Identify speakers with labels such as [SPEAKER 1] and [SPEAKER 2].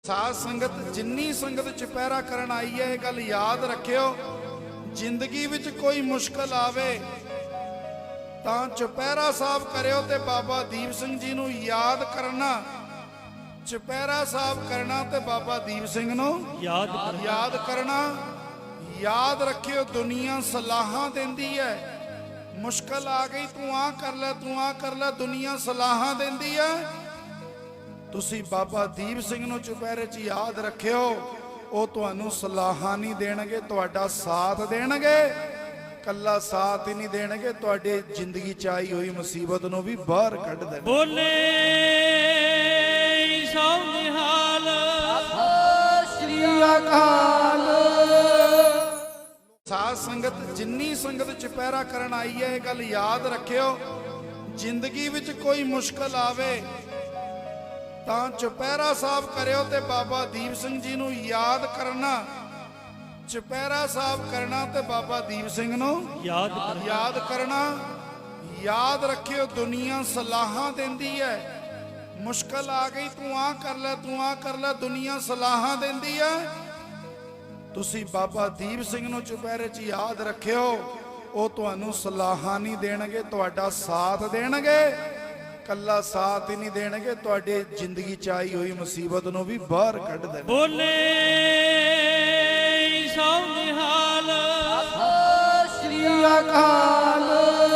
[SPEAKER 1] ਸਾਧ ਸੰਗਤ ਜਿੰਨੀ ਸੰਗਤ ਚੁਪਹਿਰਾ ਕਰਨ ਆਈ ਹੈ ਇਹ ਗੱਲ ਯਾਦ ਰੱਖਿਓ, ਜ਼ਿੰਦਗੀ ਵਿੱਚ ਕੋਈ ਮੁਸ਼ਕਲ ਆਵੇ ਤਾਂ ਚੁਪਹਿਰਾ ਸਾਹਿਬ ਕਰਿਓ ਤੇ ਬਾਬਾ ਦੀਪ ਸਿੰਘ ਜੀ ਨੂੰ ਯਾਦ ਕਰਨਾ। ਚੁਪਹਿਰਾ ਸਾਹਿਬ ਕਰਨਾ ਤੇ ਬਾਬਾ ਦੀਪ ਸਿੰਘ ਨੂੰ ਯਾਦ ਕਰਨਾ। ਯਾਦ ਰੱਖਿਓ, ਦੁਨੀਆ ਸਲਾਹਾਂ ਦਿੰਦੀ ਹੈ, ਮੁਸ਼ਕਲ ਆ ਗਈ ਤੂੰ ਆ ਕਰ ਲੈ ਤੂੰ ਆ ਕਰ ਲੈ, ਦੁਨੀਆ ਸਲਾਹਾਂ ਦਿੰਦੀ ਹੈ। ਤੁਸੀਂ ਬਾਬਾ ਦੀਪ ਸਿੰਘ ਨੂੰ ਚੁਪਹਿਰੇ 'ਚ ਯਾਦ ਰੱਖਿਓ, ਉਹ ਤੁਹਾਨੂੰ ਸਲਾਹਾਂ ਨਹੀਂ ਦੇਣਗੇ, ਤੁਹਾਡਾ ਸਾਥ ਦੇਣਗੇ। ਕੱਲਾ ਸਾਥ ਹੀ ਨਹੀਂ ਦੇਣਗੇ, ਤੁਹਾਡੇ ਜ਼ਿੰਦਗੀ 'ਚ ਆਈ ਹੋਈ ਮੁਸੀਬਤ ਨੂੰ ਵੀ ਬਾਹਰ ਕੱਢ ਦੇਣਗੇ।
[SPEAKER 2] ਬੋਲੇ ਸੋ ਨਿਹਾਲ
[SPEAKER 1] ਸ੍ਰੀ ਅਕਾਲ। ਸਾਧ ਸੰਗਤ ਜਿੰਨੀ ਸੰਗਤ ਚੁਪਹਿਰਾ ਕਰਨ ਆਈ ਹੈ ਇਹ ਗੱਲ ਯਾਦ ਰੱਖਿਓ, ਜ਼ਿੰਦਗੀ ਵਿੱਚ ਕੋਈ ਮੁਸ਼ਕਲ ਆਵੇ ਤਾਂ ਚੁਪਹਿਰਾ ਸਾਹਿਬ ਕਰਿਓ ਤੇ ਬਾਬਾ ਦੀਪ ਸਿੰਘ ਜੀ ਨੂੰ ਯਾਦ ਕਰਨਾ। ਚੁਪਹਿਰਾ ਸਾਹਿਬ ਕਰਨਾ ਤੇ ਬਾਬਾ ਦੀਪ ਸਿੰਘ ਨੂੰ ਯਾਦ ਕਰਨਾ। ਯਾਦ ਰੱਖਿਓ, ਦੁਨੀਆ ਸਲਾਹਾਂ ਦਿੰਦੀ ਹੈ, ਮੁਸ਼ਕਲ ਆ ਗਈ ਤੂੰ ਆ ਕਰ ਲੈ ਤੂੰ ਆ ਕਰ ਲੈ, ਦੁਨੀਆ ਸਲਾਹਾਂ ਦਿੰਦੀ ਹੈ। ਤੁਸੀਂ ਬਾਬਾ ਦੀਪ ਸਿੰਘ ਨੂੰ ਚੁਪਹਿਰੇ 'ਚ ਯਾਦ ਰੱਖਿਓ, ਉਹ ਤੁਹਾਨੂੰ ਸਲਾਹਾਂ ਨਹੀਂ ਦੇਣਗੇ, ਤੁਹਾਡਾ ਸਾਥ ਦੇਣਗੇ। ਕੱਲਾ ਸਾਥ ਹੀ ਨਹੀਂ ਦੇਣਗੇ, ਤੁਹਾਡੇ ਜ਼ਿੰਦਗੀ 'ਚ ਆਈ ਹੋਈ ਮੁਸੀਬਤ ਨੂੰ ਵੀ ਬਾਹਰ ਕੱਢ ਦੇਣਗੇ।
[SPEAKER 2] ਬੋਲੇ ਸੋ ਨਿਹਾਲ
[SPEAKER 1] ਸ੍ਰੀ ਅਕਾਲ।